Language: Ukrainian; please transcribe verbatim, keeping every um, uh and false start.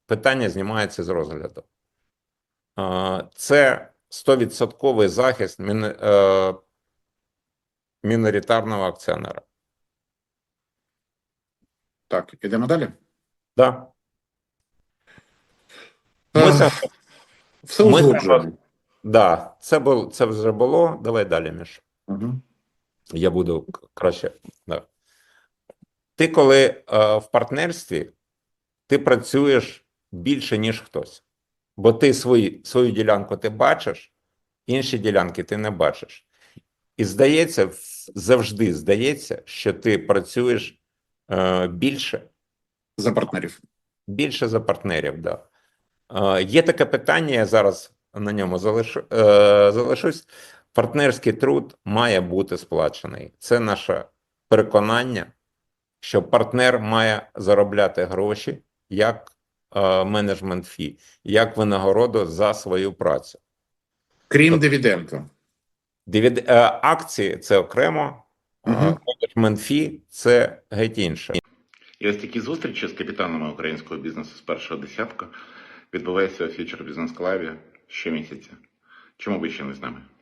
питання знімається з розгляду. Це сто відсотків захист міноритарного акціонера. Так, ідемо далі. Да. Ми, Ми, все ми, узгоджуємо. да, це, було, це вже було. Давай далі, Міш. Угу. Я буду краще. Да. Ти коли е, в партнерстві, ти працюєш більше, ніж хтось. Бо ти свої, свою ділянку ти бачиш, інші ділянки ти не бачиш. І здається, завжди здається, що ти працюєш е, більше. За партнерів. Більше за партнерів, да. Е, є таке питання, я зараз на ньому залишу, е, залишусь. Партнерський труд має бути сплачений. Це наше переконання, що партнер має заробляти гроші як е, менеджмент фі, як винагороду за свою працю. Крім Тобто, дивіденду. Дивід... Е, акції – це окремо, Угу. е, менеджмент фі – це геть інше. І ось такі зустрічі з капітанами українського бізнесу з першого десятка відбуваються у Future Business Club щомісяця. Чому ви ще не з нами?